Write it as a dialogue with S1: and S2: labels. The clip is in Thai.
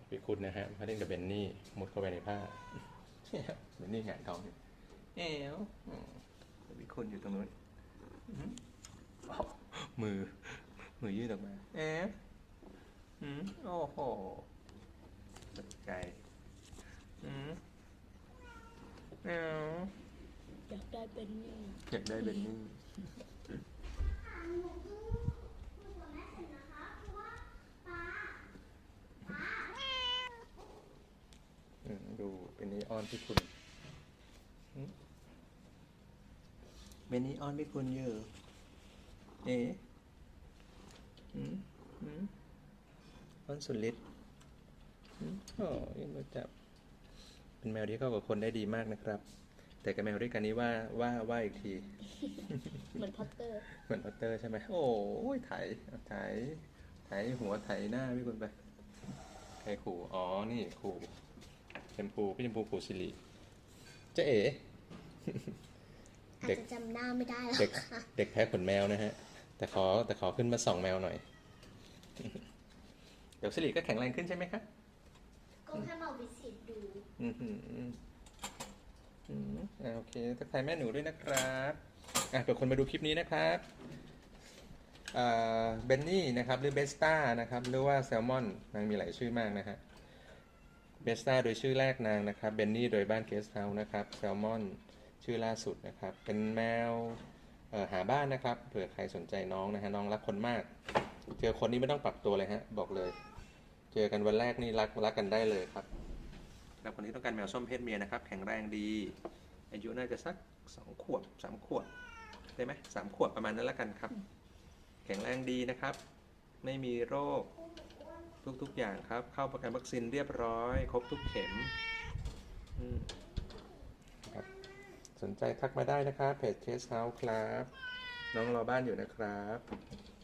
S1: พี่คุณนะฮะมาเล่นกับเบนนี่มุดเข้าไปในผ้าเบนนี่หงายท้องอยู่พี่คุณอยู่ตรงนู้นมือมือยืดออกมาโอ้โหตกใจ
S2: อยากได้เป็นนี่
S1: อยากได้เบนนี่ดูเป็นนี่อ้อนพี่คุณเบนนี่อ้อนพี่คุณเยอะอ้อนสุดฤทธิ์ยังมาจับเป็นแมวที่เข้ากับคนได้ดีมากนะครับ แต่กับแมวด้วยกันนี้ว่าอีกที
S2: เหมือนพัตเตอร์
S1: เหมือนพัตเตอร์ใช่ไหมโอ้ยไถหัวไถหน้าพี่คุณไปใครขู่อ๋อนี่ขู่ชมพูพี่ชมพูขู่สิริเจ๊เอ๋
S2: อาจจะจำหน้าไม่ได้แล้วค่ะ
S1: เด็กแพ้ขนแมวนะฮะแต่ขอขึ้นมาส่องแมวหน่อย เดี๋ยวสิริก็แข็งแรงขึ้นใช่ไหมครับ
S2: ก็แค่มาวิสิตดู
S1: โอเคทักทายแม่หนูด้วยนะครับเผื่อคนมาดูคลิปนี้นะครับเบนนี่นะครับหรือเบสต้านะครับหรือว่าแซลมอนนางมีหลายชื่อมากนะฮะเบสต้าโดยชื่อแรกนางนะครับเบนนี่โดยบ้านเกสต์เฮาส์นะครับแซลมอนชื่อล่าสุดนะครับเป็นแมวหาบ้านนะครับเผื่อใครสนใจน้องนะฮะน้องรักคนมากเจอคนนี้ไม่ต้องปรับตัวเลยฮะบอกเลยเจอกันวันแรกนี่รักกันได้เลยครับแล้วคนนี้ต้องการแมวส้มเพศเมียนะครับแข็งแรงดีอายุน่าจะสัก2 ขวบ3 ขวบได้ไหม3 ขวบประมาณนั้นแล้วกันครับแข็งแรงดีนะครับไม่มีโรคทุกอย่างครับเข้าประกันวัคซีนเรียบร้อยครบทุกเข็มครับสนใจทักมาได้นะครับเพจเคสเฮาส์ครับน้องรอบ้านอยู่นะครับ